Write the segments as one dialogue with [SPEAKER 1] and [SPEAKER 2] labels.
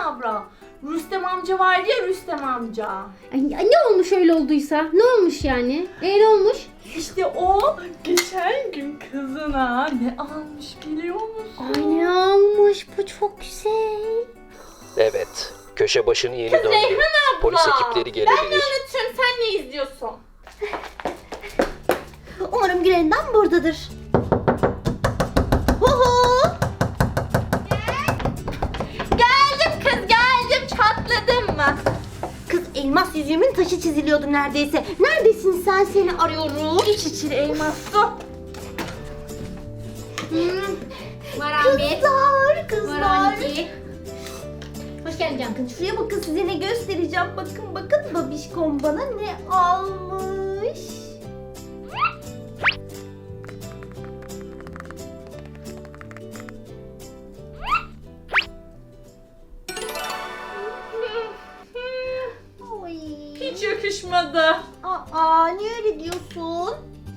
[SPEAKER 1] abla. Rüstem amca var ya, Rüstem amca.
[SPEAKER 2] Ay, ne olmuş öyle olduysa? Ne olmuş yani? Ne olmuş?
[SPEAKER 1] İşte o geçen gün kızına ne almış biliyor musun?
[SPEAKER 2] Ay ne almış? Bu çok güzel.
[SPEAKER 3] Evet, köşe başını yeni döndü.
[SPEAKER 1] Reyhan abla.
[SPEAKER 3] Polis ekipleri
[SPEAKER 1] Ben
[SPEAKER 3] gelebilir.
[SPEAKER 1] ne anlatıyorum, sen ne izliyorsun?
[SPEAKER 4] Umarım Gülendam buradadır. Huhu!
[SPEAKER 1] Geldim kız, geldim. Çatladın mı?
[SPEAKER 4] Kız elmas yüzüğümün taşı çiziliyordu neredeyse. Neredesin sen? Seni arıyorum.
[SPEAKER 1] İç içili elmas su.
[SPEAKER 2] Var Ahmet.
[SPEAKER 4] Kızlar.
[SPEAKER 2] Var Ahmet. Hoş geldin canım.
[SPEAKER 4] Bakın şuraya bakın, size ne göstereceğim. Bakın babişkom bana ne almış. Oy.
[SPEAKER 1] Hiç yakışmadı.
[SPEAKER 4] Aa, niye öyle diyorsun?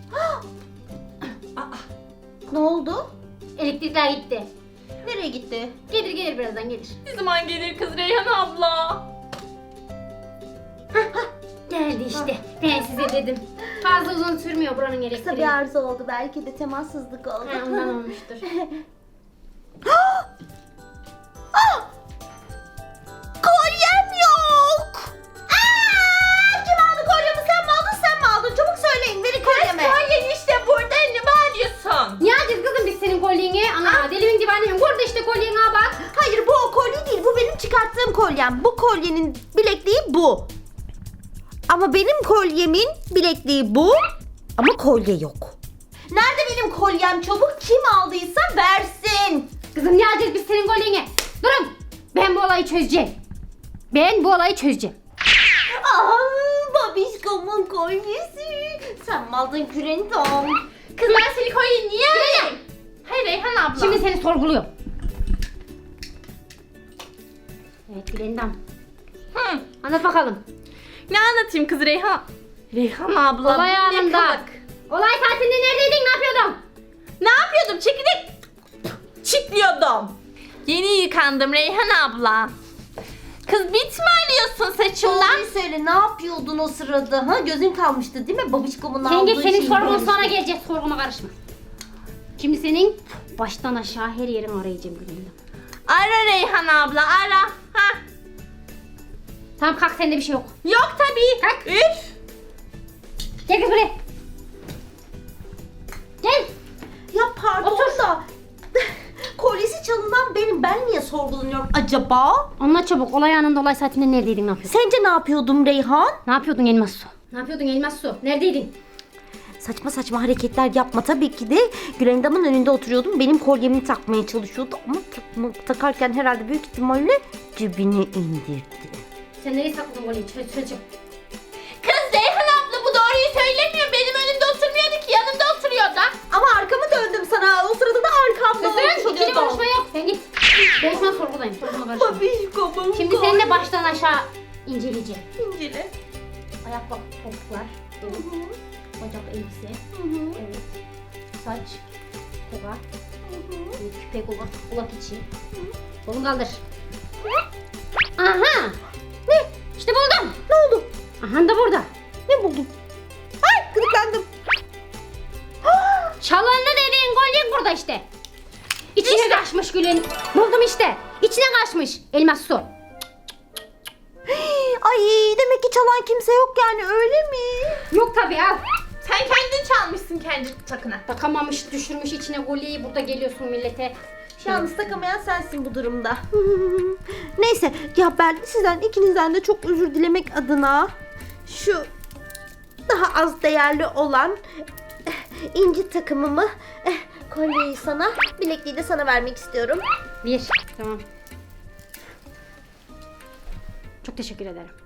[SPEAKER 4] Ne oldu?
[SPEAKER 2] Elektrikler gitti.
[SPEAKER 4] Nereye gitti?
[SPEAKER 2] Gelir birazdan gelir.
[SPEAKER 1] Ne zaman gelir kız Reyhan abla?
[SPEAKER 2] Geldi işte. Ben size dedim. Fazla uzun sürmüyor buranın
[SPEAKER 4] Kısa
[SPEAKER 2] elektriği.
[SPEAKER 4] bir arıza oldu. Belki de temassızlık oldu.
[SPEAKER 2] Ha, ondan olmuştur.
[SPEAKER 4] Kolyem yok. Kim aldı kolyemi? Sen mi aldın, sen mi aldın? Çabuk söyleyin, verin kolyemi.
[SPEAKER 1] Kolyen işte burada, ne bağırıyorsun?
[SPEAKER 2] Ne yapacağız kızım biz senin kolyeni? Ana delimin divanıyım. Burada işte kolyen ha bak.
[SPEAKER 4] Hayır, bu o kolye değil. Bu benim çıkarttığım kolyem. Bu kolyenin bilekliği bu. Ama benim kolyemin bilekliği bu. Ama kolye yok. Nerede benim kolyem? Çabuk, kim aldıysa versin.
[SPEAKER 2] Kızım ne yapacağız biz senin kolyeni? Durun. Ben bu olayı çözeceğim.
[SPEAKER 4] Aa, babişkomun kolyesi. Sen mi aldın Gülendam?
[SPEAKER 1] Kız ben senin kolyeyi niye alayım? Hayır Reyhan abla.
[SPEAKER 2] Şimdi seni sorguluyorum. Evet Gülendam.
[SPEAKER 1] Hı.
[SPEAKER 2] Anlat bakalım.
[SPEAKER 1] Ne anlatayım kız Reyhan? Reyhan abla.
[SPEAKER 2] Olay
[SPEAKER 1] ne
[SPEAKER 2] anında.
[SPEAKER 1] kalık.
[SPEAKER 2] Olay saatinde neredeydin? Ne yapıyordun?
[SPEAKER 1] Ne yapıyordum? Çekirdek çitliyordum. Yeni yıkandım Reyhan abla. Kız bit mi arıyorsun saçımdan?
[SPEAKER 4] Doğruyu söyle, ne yapıyordun o sırada? Ha, gözün kalmıştı değil mi? Babişkomun aldığı
[SPEAKER 2] Yenge senin
[SPEAKER 4] şeyi
[SPEAKER 2] sorgun
[SPEAKER 4] görmüştüm.
[SPEAKER 2] sonra gelecek. Sorguma karışma. Şimdi senin baştan aşağı her yerini arayacağım Gülendam.
[SPEAKER 1] Ara Reyhan abla ara. Ha.
[SPEAKER 2] Tamam kalk sende bir şey yok.
[SPEAKER 1] Yok tabii.
[SPEAKER 2] Kalk.
[SPEAKER 1] Üf.
[SPEAKER 2] Gel kız buraya. Gel.
[SPEAKER 4] Ya pardon
[SPEAKER 2] Otur.
[SPEAKER 4] da kolyesi çalınan benim. Ben niye sorgulanıyorum acaba?
[SPEAKER 2] Anlat çabuk. Olay anında olay saatinde neredeydin? Ne yapıyordun?
[SPEAKER 4] Sence ne yapıyordum Reyhan?
[SPEAKER 2] Ne yapıyordun Elmas Su? Ne yapıyordun Elmas Su? Neredeydin?
[SPEAKER 4] Saçma saçma hareketler yapma. Tabii ki de Gülendam'ın önünde oturuyordum. Benim kolyemi takmaya çalışıyordu ama takarken herhalde büyük ihtimalle cebine indirdi.
[SPEAKER 2] Sen nereye sakladın kolyeyi? Söyle.
[SPEAKER 1] Kız Reyhan abla bu doğruyu söylemiyor. Benim önümde oturmuyordu ki, yanımda oturuyordu.
[SPEAKER 4] Ama arkamı döndüm sana. O sırada da arkamda
[SPEAKER 2] Kızım çok iyi konuşma yok. Sen git. Ben şu an sorgudayım. Sorguma karışma.
[SPEAKER 4] Babişkomun
[SPEAKER 2] Şimdi seninle baştan aşağı inceleyeceğim.
[SPEAKER 4] İncele.
[SPEAKER 2] Ayak topuklar, bacak elbise, evet, saç, toka, küpe kulak içi. Kolunu kaldır. Aha! Ne? İşte buldum.
[SPEAKER 4] Ne oldu?
[SPEAKER 2] Aha da burada.
[SPEAKER 4] Ne buldun? Ay, gıdıklandım.
[SPEAKER 2] Çalındı dediğin kolye burada işte. İçine kaçmış Gül'ün. Buldum işte. İçine kaçmış. Elmas su.
[SPEAKER 4] Ay, demek ki çalan kimse yok yani, öyle mi?
[SPEAKER 2] Yok tabii al.
[SPEAKER 1] Sen kendin çalmışsın kendi takına.
[SPEAKER 2] Takamamış, düşürmüş içine kolyeyi. Burada geliyorsun millete.
[SPEAKER 4] Yalnız takamayan sensin bu durumda. Neyse ya, ben sizden ikinizden de çok özür dilemek adına şu daha az değerli olan inci takımımı, kolyeyi sana, bilekliği de sana vermek istiyorum.
[SPEAKER 2] Bir. Tamam. Çok teşekkür ederim.